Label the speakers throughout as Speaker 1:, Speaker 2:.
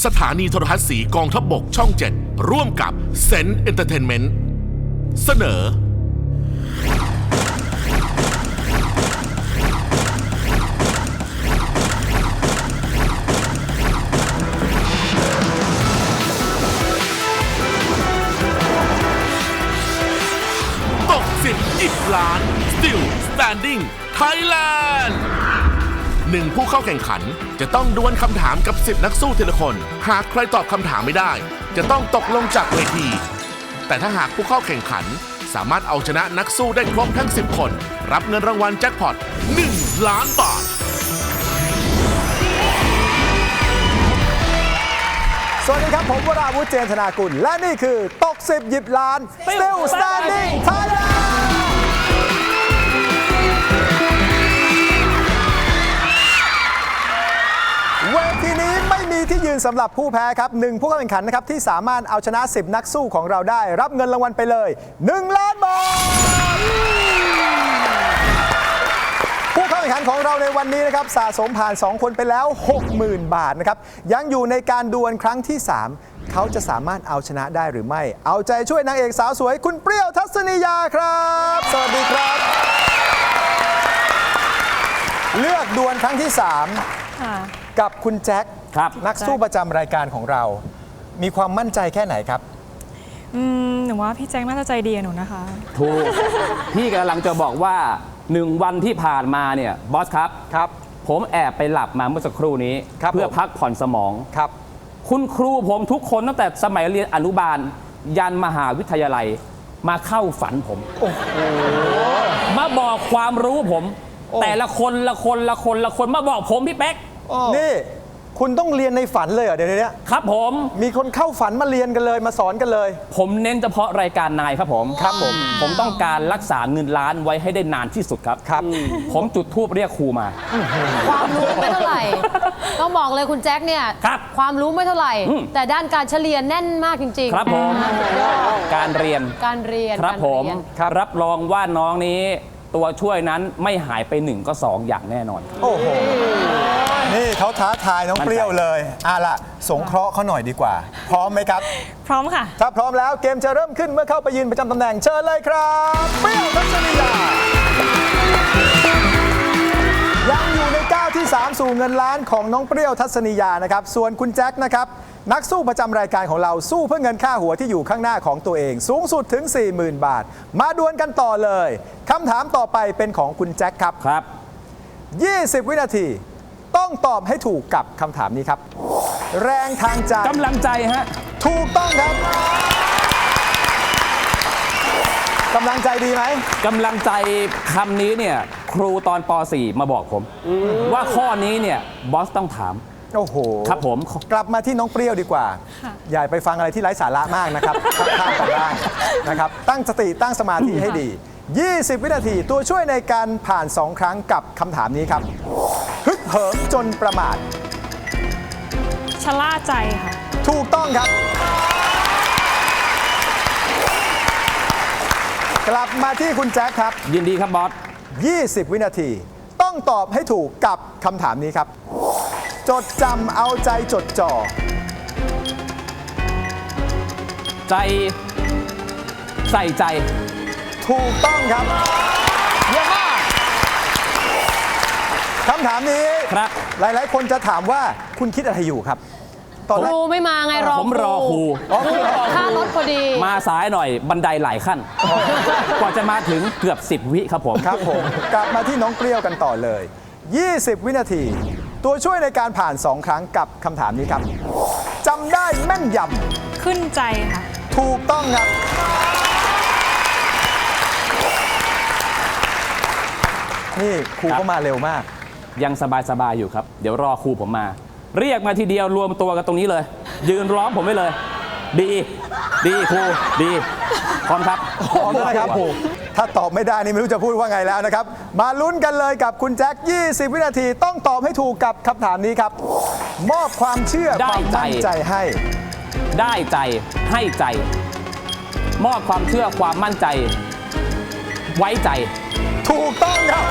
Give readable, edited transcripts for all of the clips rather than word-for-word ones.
Speaker 1: สถานีโทรทัศน์สีกองทัพบกช่อง 7 ร่วมกับเซนต์เอนเตอร์เทนเมนต์เสนอตก10 10 ล้าน Still Standing Thailand 1 ผู้เข้าแข่งขันจะต้องดวลคำถามกับ10 นักสู้ทีละคน หากใครตอบคำถามไม่ได้จะต้องตกลงจากเวที แต่ถ้าหากผู้เข้าแข่งขันสามารถเอาชนะนักสู้ได้ครบทั้ง10 คนรับเงินรางวัลแจ็คพอต1 ล้านบาท
Speaker 2: สวัสดีครับผมวราวุฒิเจนธนากุลและนี่คือตก10 หยิบล้าน Still Standing Thailand เวทีนี้ไม่มีที่ยืนสำหรับผู้แพ้ครับ1ผู้เข้าแข่งขันนะครับที่สามารถเอาชนะ10 นักสู้ของเราได้รับเงินรางวัลไปเลย1 ล้านบาทผู้เข้าแข่งขันของเราในวันนี้นะครับสะสมผ่าน2 คนไปแล้ว 60,000 บาทนะครับยังอยู่ในการดวลครั้งที่ 3เขาจะสามารถเอาชนะได้หรือไม่เอาใจช่วยนางเอกสาวสวยคุณเปรี้ยวทัศนียาครับสวัสดีครับเลือกดวลครั้งที่3กับคุณแจ็คนักสู้ประจำรายการของเรามีความมั่นใจแค่ไหนครับ
Speaker 3: หนูว่าพี่แจ็คน่าจะใจดีกับหนูนะคะ
Speaker 4: ถูก พี่กำลังจะบอกว่า1 วันที่ผ่านมาเนี่ยบอสครับผมแอบไปหลับมาเมื่อสักครู่นี้เพื่อพักผ่อนสมอง
Speaker 2: ครับ
Speaker 4: คุณครูผมทุกคนตั้งแต่สมัยเรียนอนุบาลยันมหาวิทยาลัยมาเข้าฝันผมมาบอกความรู้ผมแต่ละคนมาบอกผมพี่เป๊ก
Speaker 2: นี่คุณต้องเรียนในฝันเลยเหรอเดี๋ยวนี้
Speaker 4: ครับผม
Speaker 2: มีคนเข้าฝันมาเรียนกันเลยมาสอนกันเลย
Speaker 4: ผมเน้นเฉพาะรายการนายครับผมผมต้องการรักษาเงินล้านไว้ให้ได้นานที่สุดครับผมจุดธูปเรียกครูมา
Speaker 5: ความรู้ไม่เท่าไหร่ต้องบอกเลยคุณแจ็คเนี่ยความรู้ไม่เท่าไหร่แต่ด้านการเฉลี่ยแน่นมากจริงๆ
Speaker 4: ครับผมการเรียนครับผมรับรองว่าน้องนี้ตัวช่วยนั้นไม่หายไป1 ก็ 2อย่างแน่นอน
Speaker 2: โอ้โหนี่เขาท้าทายน้องเปรี้ยวเลยล่ะสงเคราะห์เขาหน่อยดีกว่าพร้อมไหมครับ
Speaker 3: พร้อมค่ะ
Speaker 2: ถ้าพร้อมแล้วเกมจะเริ่มขึ้นเมื่อเข้าไปยืนประจำตำแหน่งเชิญเลยครับเปรี้ยวทัศนียายังอยู่ในก้าวที่3สู่เงินล้านของน้องเปรี้ยวทัศนียานะครับส่วนคุณแจ็คนะครับนักสู้ประจำรายการของเราสู้เพื่อเงินค่าหัวที่อยู่ข้างหน้าของตัวเองสูงสุดถึง 40,000 บาทมาดวลกันต่อเลยคำถามต่อไปเป็นของคุณแจ็คครับ20 วินาทีต้องตอบให้ถูกกับคำถามนี้ครับแรงทางใจ
Speaker 4: กำลังใจฮะ
Speaker 2: ถูกต้องครับกำลังใจดีไหม
Speaker 4: กำลังใจคำนี้เนี่ยครูตอนป .4 มาบอกผมว่าข้อนี้เนี่ยบอสต้องถาม
Speaker 2: โอ้โห
Speaker 4: ครับผม
Speaker 2: กลับมาที่น้องเปรี้ยวดีกว่าอย่าไปฟังอะไรที่ไร้สาระมากนะครับข้ามไปได้นะครับตั้งสติตั้งสมาธิให้ดี20 วินาทีตัวช่วยในการผ่าน2 ครั้งกับคำถามนี้ครับฮึกเหิมจนประมาท
Speaker 3: ชะล่าใจค่ะ
Speaker 2: ถูกต้องครับกลับมาที่คุณแจ็คครับ
Speaker 4: ยินดีครับบอส
Speaker 2: 20 วินาทีต้องตอบให้ถูกกับคำถามนี้ครับจดจำเอาใจจดจ่อ
Speaker 4: ใจใส่ใจ
Speaker 2: ถูกต้องครับเยี่ยมมากคำถามนี้
Speaker 4: ครับ
Speaker 2: หลายๆคนจะถามว่าคุณคิดอะไรอยู่ครับ
Speaker 5: ครูไม่มาไง
Speaker 4: ผมรอครู
Speaker 5: ค่ารถพอดี
Speaker 4: มาสายหน่อยบันไดหลายขั้นกว่าจะมาถึงเกือบ10 วิครับผม
Speaker 2: กลับมาที่น้องเปรี้ยวกันต่อเลย20 วินาทีตัวช่วยในการผ่าน2 ครั้งกับคำถามนี้ครับจำได้แม่นย
Speaker 3: ำขึ้นใจค่ะ
Speaker 2: ถูกต้องครับนี่ครูก็มาเร็วมาก
Speaker 4: ยังสบายอยู่ครับเดี๋ยวรอครูผมมาเรียกมาทีเดียวรวมตัวกันตรงนี้เลยยืนร้องผมไว้เลยดีครูดีพร้อมครับ
Speaker 2: พร้อมนะครับครูถ้าตอบไม่ได้นี่ไม่รู้จะพูดว่าไงแล้วนะครับมาลุ้นกันเลยกับคุณแจ็ค20 วินาทีต้องตอบให้ถูกกับคำถามนี้ครับมอบความเชื่อความมั่นใจให้
Speaker 4: ได้ใจให้ใจมอบความเชื่อความมั่นใจไว้ใจ
Speaker 2: ถูกต้องครับ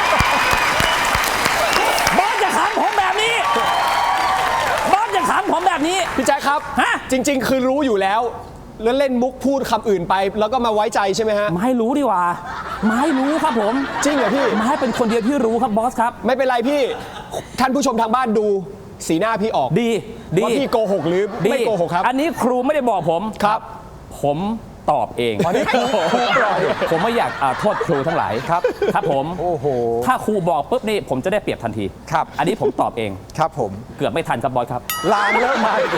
Speaker 4: บอสจะขำผมแบบนี้บอสจะขำผมแบบแบบนี้
Speaker 6: พี่แจ๊คครับ
Speaker 4: ฮะ
Speaker 6: จริง ๆ คือรู้อยู่แล้วแล้วเล่นมุกพูดคำอื่นไป แล้วก็มาไว้ใจใช่ไหมฮะ
Speaker 4: มาให้รู้ดีกว่ามาให้รู้ครับผม
Speaker 6: จริงเหรอพี่
Speaker 4: มาให้เป็นคนเดียวที่รู้ครับบอสครับ
Speaker 6: ไม่เป็นไรพี่ ท่านผู้ชมทางบ้านดูสีหน้าพี่ออก
Speaker 4: ดี
Speaker 6: ว่าพี่โกหกหรือไม่โกหกครับ
Speaker 4: อันนี้ครูไม่ได้บอกผม
Speaker 6: ครับ
Speaker 4: ผมตอบเอง
Speaker 2: อันนี้ครูปล่อย
Speaker 4: ผมไม่อยากโทษครูทั้งหลาย
Speaker 2: ครับ
Speaker 4: ครับผม
Speaker 2: โอ้โห
Speaker 4: ถ้าครูบอกปุ๊บนี่ผมจะได้เปรียบทันที
Speaker 2: ครับ
Speaker 4: อันนี้ผมตอบเอง
Speaker 2: ครับผม
Speaker 4: เกือบไม่ทันครับบอสครับ
Speaker 2: ลามเลิกมาอีก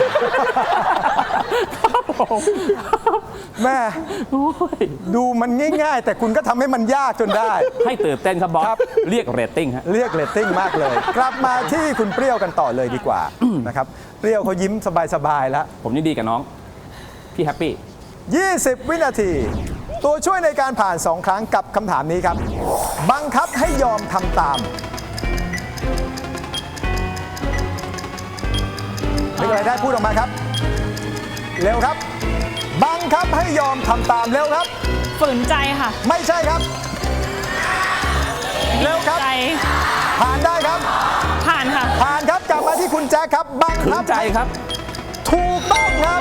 Speaker 2: แม่ดูมันง่ายๆ แต่คุณก็ทำให้มันยากจนได้
Speaker 4: ให้ตื่นเต้นครับบอส
Speaker 2: ครับ
Speaker 4: เรียกเรตติ้งฮะ
Speaker 2: เรียกเรตติ้งมากเลย กลับมาที่คุณเปรี้ยวกันต่อเลยดีกว่านะครับเปรี้ยวเขายิ้มสบายๆแล้ว
Speaker 4: ผมยินดีกับน้อง พี่แฮปปี้
Speaker 2: 20 วินาที ตัวช่วยในการผ่าน 2 ครั้งกับคำถามนี้ครับ บังคับให้ยอมทำตามนึกอะไรได้พูดออกมาครับ เร็วครับ บังคับให้ยอมทำตามเร็วครับ
Speaker 3: ฝืนใจค่ะ
Speaker 2: ไม่ใช่ครับ เร็วครับ
Speaker 3: ใจ
Speaker 2: ผ่านได้ครับ
Speaker 3: ผ่านค่ะ
Speaker 2: ผ่านครับกลับมาที่คุณแจ๊คครับ บัง
Speaker 4: ขื
Speaker 2: คั
Speaker 4: น
Speaker 2: บ
Speaker 4: ใจครับ
Speaker 2: ถูกต้องครับ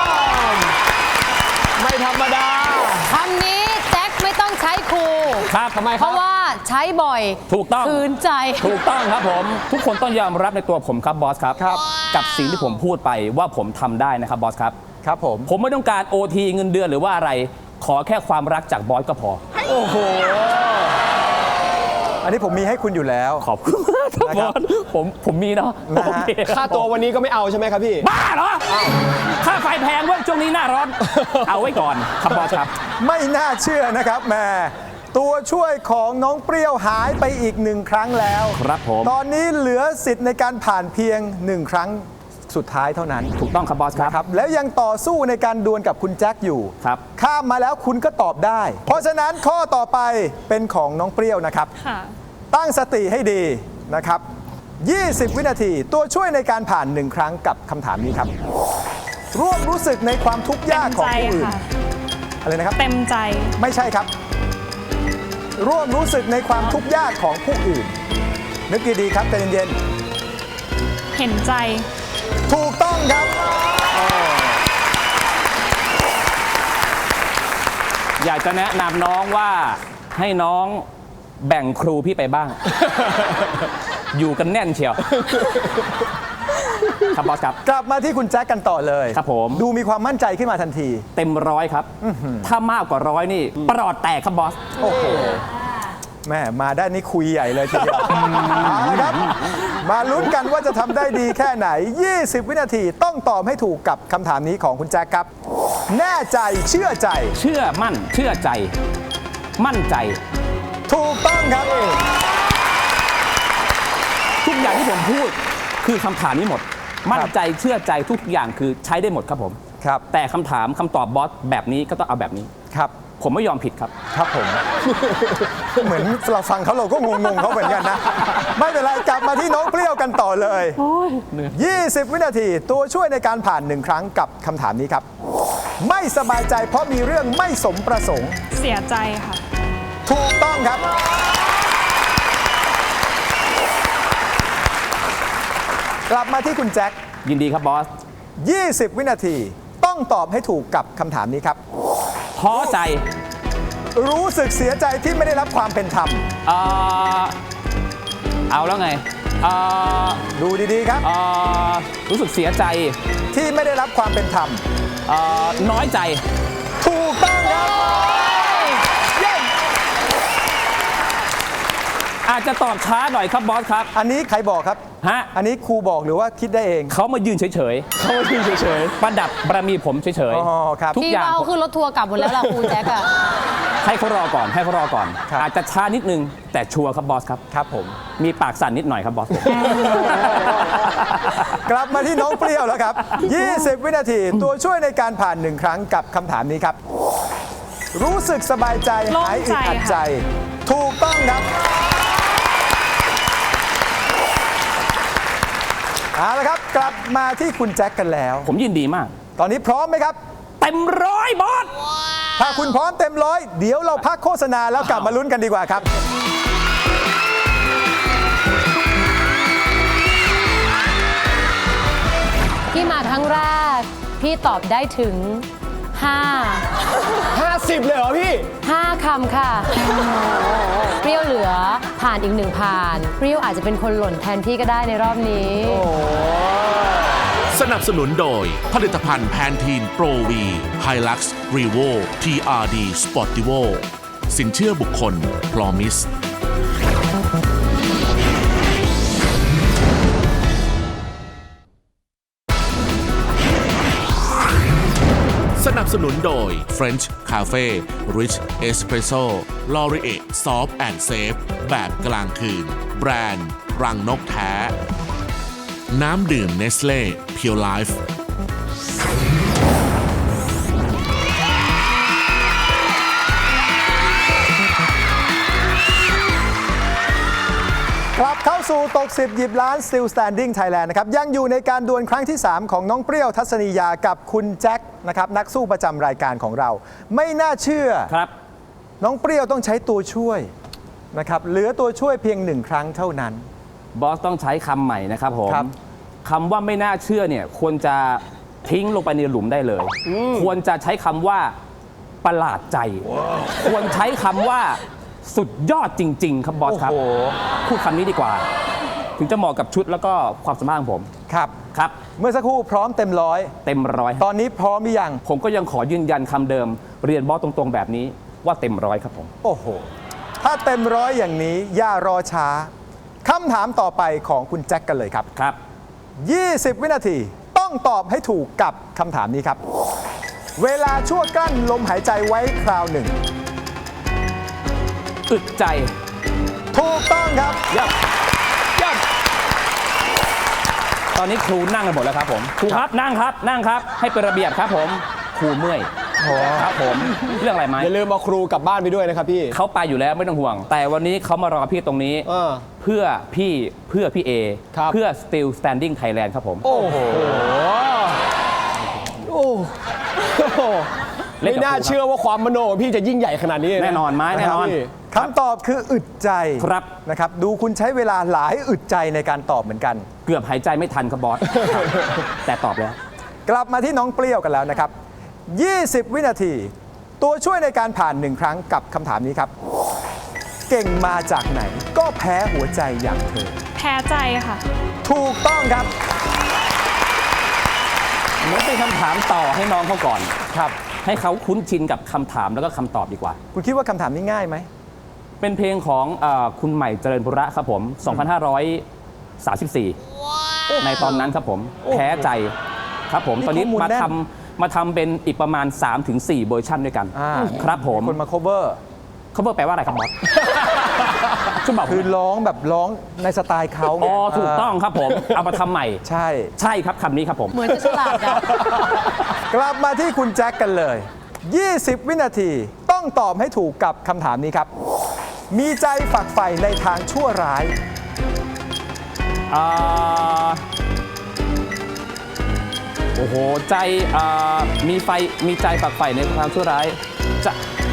Speaker 6: ไม่ธรรมดา
Speaker 5: คำนี้แจ็คไม่ต้องใช้ครู
Speaker 4: ครับทำไม
Speaker 5: เพราะว่าใช้บ่อย
Speaker 4: ถูกต้อง
Speaker 5: คืนใจ
Speaker 4: ถูกต้องครับผม ทุกคนต้องยอมรับในตัวผมครับบอสครับ กับสิ่งที่ผมพูดไปว่าผมทำได้นะครับบอสครับ
Speaker 2: ครับผม
Speaker 4: ผมไม่ต้องการ OT เงินเดือนหรือว่าอะไร ขอแค่ความรักจากบอสก็พอ
Speaker 2: โอ้โห อันนี้ผมมีให้คุณอยู่แล้ว
Speaker 4: ขอบคุณมากครับ
Speaker 2: นะ
Speaker 4: บ
Speaker 2: ครั
Speaker 4: อบ สผมมีเนาะ
Speaker 2: นะฮะ
Speaker 4: โอเค
Speaker 6: ค่าตัววันนี้ก็ไม่เอาใช่ไหมครับพี่
Speaker 4: บ้าเหรอค่าไฟแพงเว้ยช่วงนี้หน้าร้อน เอาไว้ก่อนครับบอสครับ
Speaker 2: ไม่น่าเชื่อนะครับแหม่ตัวช่วยของน้องเปรี้ยวหายไปอีก 1 ครั้งแล้ว
Speaker 4: ครับผม
Speaker 2: ตอนนี้เหลือสิทธิ์ในการผ่านเพียง 1 ครั้งสุดท้ายเท่านั้น
Speaker 4: ถูกต้องครับบอสครับ
Speaker 2: ครับ แล้วยังต่อสู้ในการดวลกับคุณแจ็คอยู่
Speaker 4: ครับ
Speaker 2: ข้ามมาแล้วคุณก็ตอบได้ เพราะฉะนั้นข้อต่อไปเป็นของน้องเปรี้ยวนะครับ
Speaker 3: ค่ะ
Speaker 2: ตั้งสติให้ดีนะครับ 20 วินาที ตัวช่วยในการผ่าน 1 ครั้งกับคำถามนี้ครับ ร่วมรู้สึกในความทุกข์
Speaker 3: เต็
Speaker 2: ยาก
Speaker 3: ม
Speaker 2: ของ
Speaker 3: ใจ
Speaker 2: ผู้อื่น
Speaker 3: ค่ะ
Speaker 2: อะไรนะครับ
Speaker 3: เต็มใจ
Speaker 2: ไม่ใช่ครับ ร่วมรู้สึกในความทุกข์ยากของผู้อื่น นึกดีๆครับใจเย็น
Speaker 3: เห็นใจ
Speaker 2: ๆถูกต้องครับ
Speaker 4: อยากจะแนะนำน้องว่าให้น้องแบ่งครูพี่ไปบ้าง อยู่กันแน่นเชียว ครับบอสครับ
Speaker 2: กลับมาที่คุณแจ็คกันต่อเลย
Speaker 4: ครับผม
Speaker 2: ดูมีความมั่นใจขึ้นมาทันที
Speaker 4: เต็มร้อยครับ ถ้ามากกว่าร้อยนี่ประหลอดแตกครับบอส
Speaker 2: โอ้โหแม่มาได้นี่คุยใหญ่เลยทีเดียวเอาละครับ มาลุ้นกันว่าจะทำได้ดีแค่ไหน 20 วินาทีต้องตอบให้ถูกกับคำถามนี้ของคุณแจ็คครับ แน่ใจเชื่อใจ
Speaker 4: เชื่อมั่น เชื่อใจ มั่นใจ
Speaker 2: ถูกต้องครับ
Speaker 4: ทุกอย่างที่ผมพูดคือคำถามนี้หมด มั่นใจเชื่อใจทุกอย่างคือใช้ได้หมดครับผม
Speaker 2: ครับ
Speaker 4: แต่คำถามคำตอบบอสแบบนี้ก็ต้องเอาแบบนี้
Speaker 2: ครับ
Speaker 4: ผมไม่ยอมผิดครับ
Speaker 2: ครับผม เหมือนเราฟังเขาเราก็งงๆเขาเหมือนกันนะ ไม่เป็นไรกลับมาที่น้องเปรี้ยวกันต่อเลย 20 วินาทีตัวช่วยในการผ่าน 1 ครั้งกับคำถามนี้ครับ ไม่สบายใจเพราะมีเรื่องไม่สมประสงค์
Speaker 3: เสียใจค่ะ
Speaker 2: ถูกต้องครับ กลับมาที่คุณแจ็ค
Speaker 4: ยินดีครับบอส
Speaker 2: 20 วินาทีต้องตอบให้ถูกกับคำถามนี้ครับ
Speaker 4: ท้อใจ
Speaker 2: รู้สึกเสียใจที่ไม่ได้รับความเป็นธรรม
Speaker 4: เอ่อเอาแล้วไงเอ่อ
Speaker 2: ดูดีๆครับ
Speaker 4: เอ่อรู้สึกเสียใจ
Speaker 2: ที่ไม่ได้รับความเป็นธรรม
Speaker 4: น้อยใจ
Speaker 2: ถูกต้องครับเย้
Speaker 4: อาจจะตอบช้าหน่อยครับบอสครับ
Speaker 2: อันนี้ใครบอกครับ
Speaker 4: ฮะ
Speaker 2: อันนี้ครูบอกหรือว่าคิดได้เอง
Speaker 4: เขามายืนเฉยๆ เขามายืนเฉยๆ ประดับบารมีผมเฉย
Speaker 2: อ๋อครับ
Speaker 4: ทุก
Speaker 5: พี่
Speaker 4: อย่าง
Speaker 5: ว่าเอาขึ้นรถทัวร์กลับหมดแล้วล่ะครูแจ็คอะ
Speaker 4: ให้เขารอก่อน ให้เขารอก่อน
Speaker 2: ครับ
Speaker 4: อาจจะช้านิดนึง แต่ชัวร์ครับบอสครับ
Speaker 2: ครับผม
Speaker 4: มีปากสั่นนิดหน่อยครับบอสผม
Speaker 2: กลับมาที่น้องเปรี้ยวแล้วครับ 20 วินาทีตัวช่วยในการผ่าน 1 ครั้งกับคำถามนี้ครับ รู้สึกสบายใจ
Speaker 3: โล่ง
Speaker 2: หายอึดอัด
Speaker 3: ใจค่ะ
Speaker 2: ใจ ถูกต้องครับเอาละครับ กลับมาที่คุณแจ็คกันแล้ว
Speaker 4: ผมยินดีมาก
Speaker 2: ตอนนี้พร้อมไหมครับ
Speaker 4: เต็มร้อยบอส
Speaker 2: ถ้าคุณพร้อมเต็มร้อยเดี๋ยวเราพักโฆษณาแล้วกลับมาลุ้นกันดีกว่าครับ
Speaker 5: ที่มาครั้งแรก พี่ตอบได้ถึง
Speaker 6: 50 เลยเหรอพี่
Speaker 5: 5คำค่ะ เปรี้ยวเหลือผ่านอีก1ผ่าน เปรี้ยวอาจจะเป็นคนหล่นแทนพี่ก็ได้ในรอบนี้
Speaker 1: สนับสนุนโดยผลิตภัณฑ์แพนทีนโปรวีไฮลักซ์รีโว TRD Sportivo สินเชื่อบุคคล Promise สนับสนุนโดย French Cafe Rich Espresso Laurier Soft and Safe แบบกลางคืน แบรนด์รังนกแท้ น้ำดื่มเนสเล่เพียวไลฟ์
Speaker 2: กลับเข้าสู่ตก 10 หยิบล้าน Still Standing Thailand นะครับยังอยู่ในการดวลครั้งที่ 3 ของน้องเปรี้ยวทัศนียากับคุณแจ็คนะครับนักสู้ประจำรายการของเรา ไม่น่าเชื่อ
Speaker 4: ครับ
Speaker 2: น้องเปรี้ยวต้องใช้ตัวช่วยนะครับเหลือตัวช่วยเพียง 1 ครั้งเท่านั้น
Speaker 4: บอสต้องใช้คำใหม่นะครับผม
Speaker 2: ครับ
Speaker 4: คำว่าไม่น่าเชื่อเนี่ยควรจะทิ้งลงไปในหลุมได้เลย ควรจะใช้คำว่าประหลาดใจ ควรใช้คำว่าสุดยอดจริง ๆ ครับบอสครับ
Speaker 2: โอ้โห
Speaker 4: พูดคำนี้ดีกว่า ถึงจะเหมาะกับชุดแล้วก็ความสามารถของผม
Speaker 2: ครับ
Speaker 4: ครับ
Speaker 2: เมื่อสักครู่พร้อมเต็มร้อย
Speaker 4: เต็มร้อย
Speaker 2: ตอนนี้พร้อมหรือยัง
Speaker 4: ผมก็ยังขอยืนยันคำเดิม เรียนบอสตรงๆแบบนี้ว่าเต็มร้อยครับผม
Speaker 2: โอ้โห ถ้าเต็มร้อยอย่างนี้อย่ารอช้าคำถามต่อไปของคุณแจ็คกันเลยครับ
Speaker 4: ครับ
Speaker 2: 20 วินาทีต้องตอบให้ถูกกับคำถามนี้ครับ เวลาชั่วกลั้นลมหายใจไว้คราวหนึ่ง
Speaker 4: อึดใจ
Speaker 2: ถูกต้องครับ
Speaker 4: ยับยับตอนนี้ครูนั่งกันหมดแล้วครับผมครูครับนั่งครับนั่งครับ ให้เป็นระเบียบครับผมครูเมื่อยครับผมเรื่องอะไรไหม
Speaker 6: อย่าลืมเอาครูกลับบ้านไปด้วยนะครับพี่
Speaker 4: เขาไปอยู่แล้วไม่ต้องห่วง แต่วันนี้เขามารอพี่ตรงนี้ เพื่อพี่เอ
Speaker 6: ครับ
Speaker 4: เพื่อ Still Standing Thailand ครับผม
Speaker 6: โอ้โห โอ้โห
Speaker 4: เล่น
Speaker 6: ไม่
Speaker 4: กับ
Speaker 6: น่า
Speaker 4: ครูครับ
Speaker 6: เชื่อว่าความมโนของพี่จะยิ่งใหญ่ขนาดนี้เลยะ
Speaker 4: แน่นอนไหมแน่นอน
Speaker 6: ครับพี่
Speaker 2: คำตอบคืออึดใจ
Speaker 4: ครับ
Speaker 2: นะครับ ดูคุณใช้เวลาหลายอึดใจในการตอบเหมือนกัน
Speaker 4: เกือบหายใจไม่ทันครับบอส แต่ตอบแล้ว
Speaker 2: กลับมาที่น้องเปรี้ยวกันแล้วนะครับ 20 วินาที ตัวช่วยในการผ่าน 1 ครั้งกับคำถามนี้ครับ เก่งมาจากไหน ก็แพ้หัวใจอย่างเธอ
Speaker 3: แพ้ใจค่ะ
Speaker 2: ถูกต้องครับ
Speaker 4: มันเป็นคำถามต่อให้น้องเขาก่อน
Speaker 2: ครับ
Speaker 4: ให้เขาคุ้นชินกับคำถามแล้วก็คำตอบดีกว่า
Speaker 2: คุณคิดว่าคำถามนี้ง่ายไหม
Speaker 4: เป็นเพลงของคุณใหม่เจริญบุระครับผม 2534 ในตอนนั้นครับผม แพ้ใจครับผม
Speaker 2: นี่
Speaker 4: ตอนนี้
Speaker 2: ข้อมูล
Speaker 4: มา
Speaker 2: แน่น
Speaker 4: มาทำเป็นอีกประมาณ 3-4 เวอร์ชันด้วยกัน ครับผม
Speaker 2: คนมา cover
Speaker 4: เขาแปลว่าอะไรครับบอส ช่วยบอกผม
Speaker 2: คือร้องแบบร้องในสไตล์เขาไง
Speaker 4: อ๋อถูกต้องครับผม เอามาทำใหม่
Speaker 2: ใช่
Speaker 4: ใช่ครับคำนี้ครับผม
Speaker 5: เหมือนจะฉลาดนะ
Speaker 2: กลับมาที่คุณแจ็คกันเลย 20 วินาทีต้องตอบให้ถูกกับคำถามนี้ครับ มีใจฝักใฝ่ในทางชั่วร้าย
Speaker 4: โอ้โห ใจมีใจฝักใฝ่ในความชั่วร้ายจะ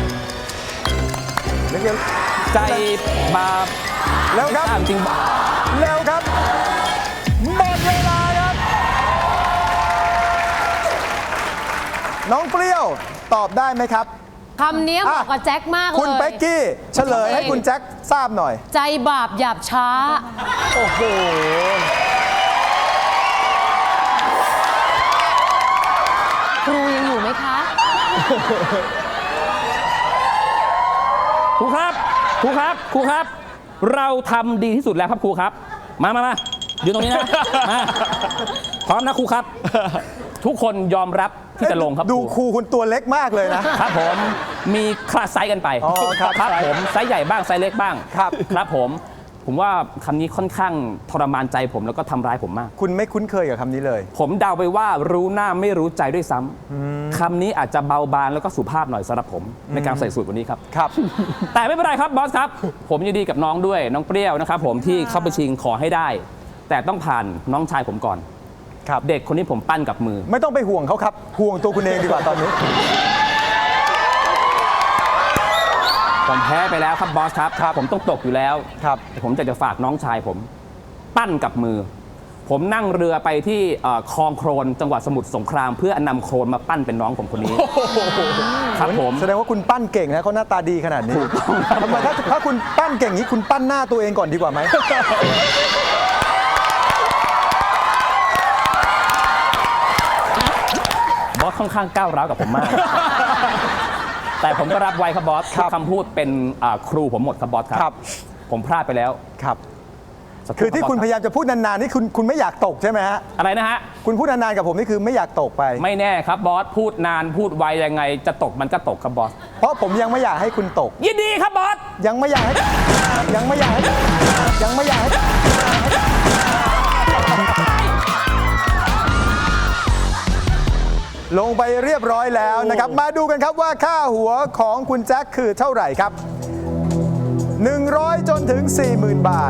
Speaker 2: นึกยัง
Speaker 4: ใจบาป
Speaker 2: แล้วครับ
Speaker 4: จริง
Speaker 2: แล้วครับ หมดเวลาครับ น้องเปรี้ยวตอบได้ไหมครับ
Speaker 5: คำนี้เหมาะกับแจ็คมากเลย
Speaker 2: คุณเป๊กกี้เฉลยให้คุณแจ็คทราบหน่อย
Speaker 5: ใจบาปหยาบช้า
Speaker 2: โอ้โห
Speaker 5: ครูยังอยู่ไหมคะ
Speaker 4: ครูครับ ครูครับ ครูครับ เราทำดีที่สุดแล้วครับครูครับ มายืนตรงนี้นะ มาพร้อมนะครูครับ ทุกคนยอมรับที่จะลงครับ
Speaker 2: ดูครูคุณตัวเล็กมากเลยนะ
Speaker 4: ครับผม มีคลาสไซส์กันไป
Speaker 2: อ๋อครับ
Speaker 4: ครับผม ไซส์ใหญ่บ้าง ไซส์เล็กบ้าง
Speaker 2: ครับ
Speaker 4: ครับผม ผมว่าคำนี้ค่อนข้างทรมานใจผมแล้วก็ทำร้ายผมมาก
Speaker 2: คุณไม่คุ้นเคยกับคำนี้เลย
Speaker 4: ผมเดาไปว่ารู้หน้าไม่รู้ใจด้วยซ้ำคำนี้อาจจะเบาบางแล้วก็สุภาพหน่อยสำหรับผมในการใส่สูตรวันนี้ครับ
Speaker 2: ครับ
Speaker 4: แต่ไม่เป็นไรครับบอสครับ ผมยินดีกับน้องด้วยน้องเปรี้ยวนะครับผมที่เข้าไปชิงขอให้ได้ แต่ต้องผ่านน้องชายผมก่อน
Speaker 2: ครับ
Speaker 4: เด็กคนนี้ผมปั้นกับมือ
Speaker 2: ไม่ต้องไปห่วงเขาครับ ห่วงตัวคุณเองดีกว่าตอนนี้
Speaker 4: ผมแพ้ไปแล้วครับบอสครับ
Speaker 2: ครับ
Speaker 4: ผมต้องตกอยู่แล้ว
Speaker 2: ครับ
Speaker 4: แต่ผมจะฝากน้องชายผม ปั้นกับมือผมนั่งเรือไปที่คลองโครนจังหวัดสมุทรสงครามเพื่อนำโครนมาปั้นเป็นน้องผมคนนี้ครับผม
Speaker 2: แสดงว่าคุณปั้นเก่งนะเขาหน้าตาดีขนาดนี้ทำไมถ้าคุณปั้นเก่งนี้คุณปั้นหน้าตัวเองก่อนดีกว่าไหม
Speaker 4: บอสค่อนข้างก้าวร้าวกับผมมาก แต่ผมก็รับไว้ครับบอสทุกคำพูดเป็นครูผมหมดครับบอสครับ ผมพลาดไปแล้ว
Speaker 2: ครับ
Speaker 4: สักรู่
Speaker 2: คือที่
Speaker 4: รับ
Speaker 2: คุณ
Speaker 4: บ
Speaker 2: พ
Speaker 4: ส
Speaker 2: ยายามจะพูดนานๆนี่คุณไม่อยากตกใช่ไหมฮะ
Speaker 4: อะไรนะฮะ
Speaker 2: คุณพูดนานๆกับผมนี่คือไม่อยากตกไป
Speaker 4: ไม่แน่ครับบอสพูดนานพูดไวยังไงจะตกมันก็ตกครับบอส
Speaker 2: เพราะผมยังไม่อยากให้คุณตก
Speaker 4: ยินดีครับบอส
Speaker 2: ยังไม่อยากให้ยังไม่อยากให้ยังไม่อยากให้ลงไปเรียบร้อยแล้วนะครับ มาดูกันครับว่าค่าหัวของคุณแจ็คคือเท่าไหร่ครับ 100 จนถึง 40,000 บาท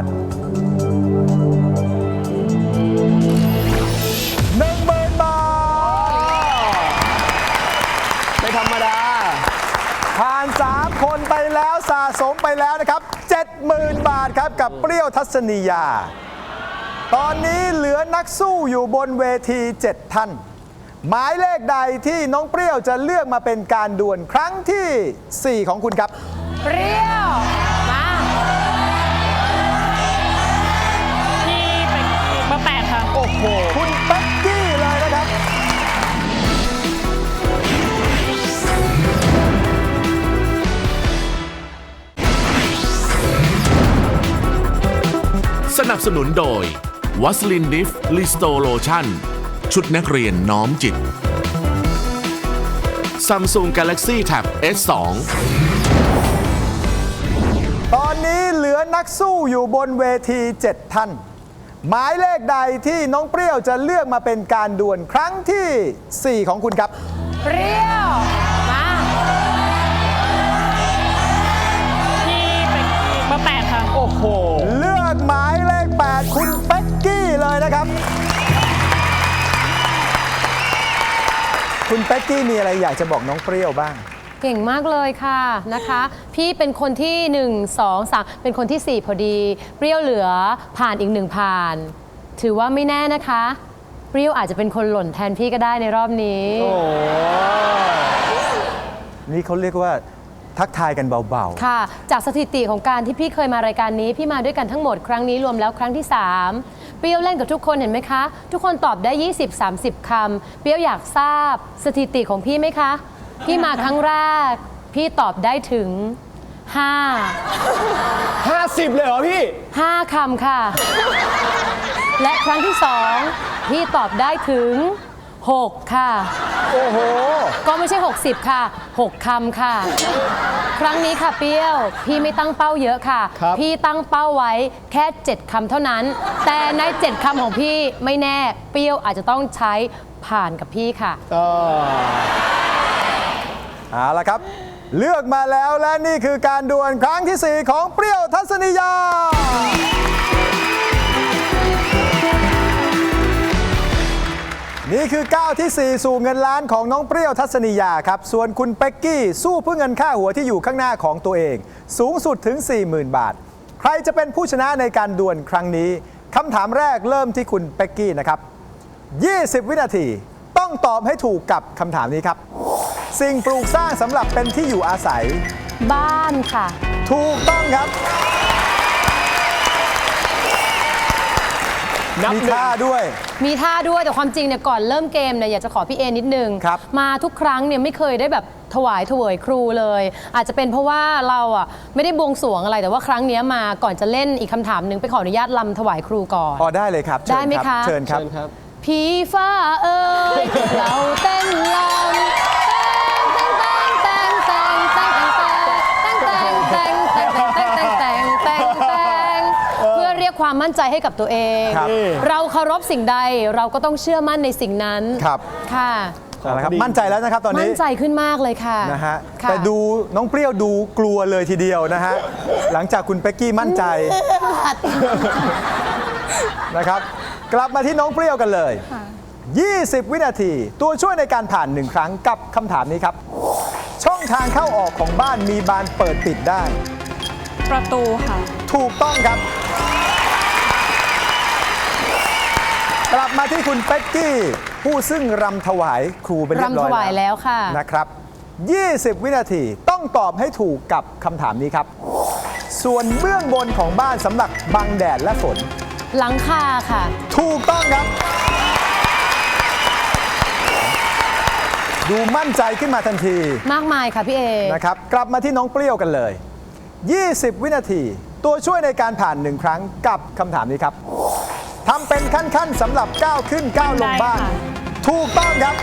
Speaker 2: 10,000 บาท
Speaker 6: ไม่ธรรมดา
Speaker 2: ผ่าน 3 คนไปแล้วสะสมไปแล้วนะครับ 70,000 บาทครับกับเปรี้ยวทัศนียา ตอนนี้เหลือนักสู้อยู่บนเวที 7 ท่าน หมายเลขใดที่น้องเปรี้ยวจะเลือกมาเป็นการดวลครั้งที่ 4 ของคุณครับ
Speaker 5: เปรี้ยว มา
Speaker 3: ที่เป็นเบอร์ 8 ค่ะ
Speaker 2: โอ้โห คุณเป๊กกี้เลยนะครับ
Speaker 1: สนับสนุนโดยวัสลินดิฟลิสโตโลชั่นชุดนักเรียนน้อมจิต Samsung Galaxy Tab S2
Speaker 2: ตอนนี้เหลือนักสู้อยู่บนเวที 7 ท่าน หมายเลขใดที่น้องเปรี้ยวจะเลือกมาเป็นการดวลครั้งที่ 4 ของคุณครับ
Speaker 5: เปรี้ยว มา
Speaker 3: ที่เป็นเบอร์ 8 ค่ะ
Speaker 6: โอ้โห
Speaker 2: เลือกหมายเลข 8 คุณเป๊กกี้เลยนะครับ คุณเป๊กกี้มีอะไรอยากจะบอกน้องเปรี้ยวบ้าง
Speaker 5: เก่งมากเลยค่ะนะคะ พี่เป็นคนที่ 1 2 3 เป็นคนที่ 4 พอดี เปรี้ยวเหลือผ่านอีก 1 ผ่าน ถือว่าไม่แน่นะคะ เปรี้ยวอาจจะเป็นคนหล่นแทนพี่ก็ได้ในรอบนี้
Speaker 2: นี่เขาเรียกว่าทักทายกันเบา
Speaker 5: ค่ะ จากสถิติของการที่พี่เคยมารายการนี้ พี่มาด้วยกันทั้งหมดครั้งนี้รวมแล้วครั้งที่ 3 เปรี้ยวเล่นกับทุกคนเห็นไหมคะ ทุกคนตอบได้ 20-30 คำ เปรี้ยวอยากทราบสถิติของพี่ไหมคะ พี่มาครั้งแรก พี่ตอบได้ถึง
Speaker 6: 50 เลยเหรอพี่
Speaker 5: 5 คำค่ะ และครั้งที่ 2 พี่ตอบได้ถึง 6 ค่ะ
Speaker 2: ๆ โอ้โห
Speaker 5: ก็ไม่ใช่ 60 ค่ะ 6 คำค่ะ ครั้งนี้ค่ะเปรี้ยว พี่ไม่ตั้งเป้าเยอะค่ะ
Speaker 6: ครับ
Speaker 5: พี่ตั้งเป้าไว้แค่ 7 คำเท่านั้น แต่ใน 7 คำของพี่ไม่แน่ เปรี้ยวอาจจะต้องใช้ผ่านกับพี่ค่ะ
Speaker 2: เอาละครับ เลือกมาแล้วและนี่คือการดวลครั้งที่ 4 ของเปรี้ยวทัศนียา นี่คือก้าวที่ 4 สู่เงินล้านของน้องเปรี้ยวทัศนียาครับ ส่วนคุณเป๊กกี้สู้เพื่อเงินค่าหัวที่อยู่ข้างหน้าของตัวเอง สูงสุดถึง 40,000 บาท ใครจะเป็นผู้ชนะในการดวลครั้งนี้คำถามแรกเริ่มที่คุณเป๊กกี้นะครับ 20 วินาทีต้องตอบให้ถูกกับคำถามนี้ครับ สิ่งปลูกสร้างสำหรับเป็นที่อยู่อาศัย
Speaker 5: บ้านค่ะ
Speaker 2: ถูกต้องครับ
Speaker 6: นับ
Speaker 2: มี
Speaker 6: หนึ่ง
Speaker 2: ท่าด้วย
Speaker 5: มีท่าด้วยแต่ความจริงเนี่ยก่อนเริ่มเกมเนี่ยอยากจะขอพี่เอนิดนึง
Speaker 2: ครับ
Speaker 5: มาทุกครั้งเนี่ยไม่เคยได้แบบถวายครูเลย อาจจะเป็นเพราะว่าเราอ่ะไม่ได้บวงสรวงอะไรแต่ว่าครั้งเนี้ยมาก่อนจะเล่นอีกคำถามหนึ่งไปขออนุญาตลำถวายครูก่อน
Speaker 2: อ๋อได้เลยครับเชิญ
Speaker 5: ได้ไหม
Speaker 2: รับ
Speaker 5: คะ
Speaker 2: เชิญครับ
Speaker 6: เชิญครับ
Speaker 5: ผีฟ้าเอ้ย เราเต้นลำเพื่อเรียกความมั่นใจให้กับตัวเอง
Speaker 2: ครับ
Speaker 5: เราเคารพสิ่งใดเราก็ต้องเชื่อมั่นในสิ่งนั้น
Speaker 2: ครับ
Speaker 5: ค่ะ
Speaker 2: เอาละครับมั่นใจแล้วนะครับตอน
Speaker 5: มั่
Speaker 2: นี้
Speaker 5: นใจขึ้นมากเลยค่ะ
Speaker 2: นะฮะ
Speaker 5: ค่ะ
Speaker 2: แต่ดูน้องเปรี้ยวดูกลัวเลยทีเดียวนะฮะ หลังจากคุณเป๊กกี้มั่นใจนะครับ กลับมาที่น้องเปรี้ยวกันเลย 20 วินาที ตัวช่วยในการผ่าน 1 ครั้งกับคำถามนี้ครับ ช่องทางเข้าออกของบ้านมีบานเปิดปิดได้
Speaker 3: ประตูค่ะ
Speaker 2: ถูกต้องครับกลับมาที่คุณเป็กกี้ ผู้ซึ่งรำถวายครูเป็นเรียบร้อย
Speaker 5: รำถวายแล้วค่ะ
Speaker 2: นะครับ 20 วินาทีต้องตอบให้ถูกกับคำถามนี้ครับ ส่วนเบื้องบนของบ้านสำหรับบังแดดและฝน
Speaker 5: หลังคาค่ะ
Speaker 2: ถูกต้องครับ ดูมั่นใจขึ้นมาทันที
Speaker 5: มากมายค่ะพี่เอ
Speaker 2: นะครับ กลับมาที่น้องเปรี้ยวกันเลย 20 วินาที ตัวช่วยในการผ่านหนึ่งครั้งกับคำถามนี้ครับทำเป็นขั้นๆสำหรับก้าวขึ้นก้าวลงบ้าน
Speaker 3: ได้ค่ะ
Speaker 2: ถูกต้องครับ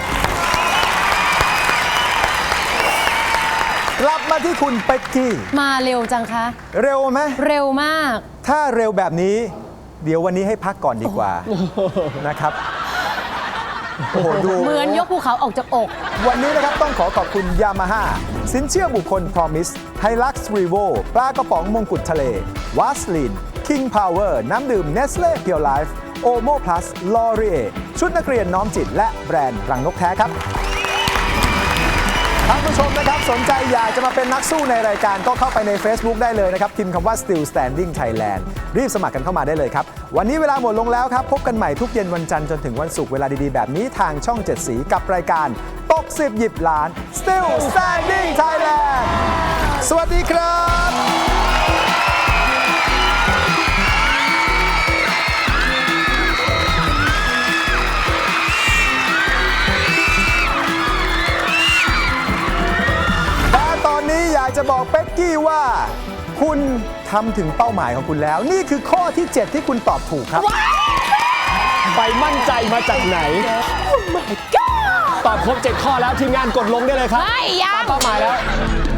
Speaker 2: กลับมาที่คุณเป็กกี้
Speaker 5: มาเร็วจังคะ
Speaker 2: เร็วไหม
Speaker 5: เร็วมาก
Speaker 2: ถ้าเร็วแบบนี้ เดี๋ยววันนี้ให้พักก่อนดีกว่านะครับ โอ้โห ดู
Speaker 5: เหมือนยกภูเขาออกจากอก
Speaker 2: วันนี้นะครับต้องขอบคุณยามาฮ่าสินเชื่อบุคคล Promise Hilux Revo ปลากระป๋องมงกุฎทะเลวาสลิน King Power น้ำดื่ม Nestle Pure Life Omo Plus L'Oreal ชุดนักเรียนน้อมจิตและแบรนด์รังนกแท้ครับท่านผู้ชมนะครับสนใจอยากจะมาเป็นนักสู้ในรายการก็เข้าไปใน Facebook ได้เลยนะครับพิมพ์คำว่า Still Standing Thailand รีบสมัครกันเข้ามาได้เลยครับ วันนี้เวลาหมดลงแล้วครับ พบกันใหม่ทุกเย็นวันจันทร์จนถึงวันศุกร์เวลาดีๆ แบบนี้ทางช่อง 7 สีกับรายการตก10หยิบล้าน Still Standing Thailand สวัสดีครับ แต่ตอนนี้อยากจะบอกเป็กกี้ว่า คุณทำถึงเป้าหมายของคุณแล้ว นี่คือข้อที่ 7 ที่คุณตอบถูกครับ
Speaker 6: ไปมั่นใจมาจากไหน ตอบครบ 7 ข้อแล้วทีมงานกดลงได้เลยครับ
Speaker 5: ไม่ยัง
Speaker 6: ตามเป้าหมายแล้ว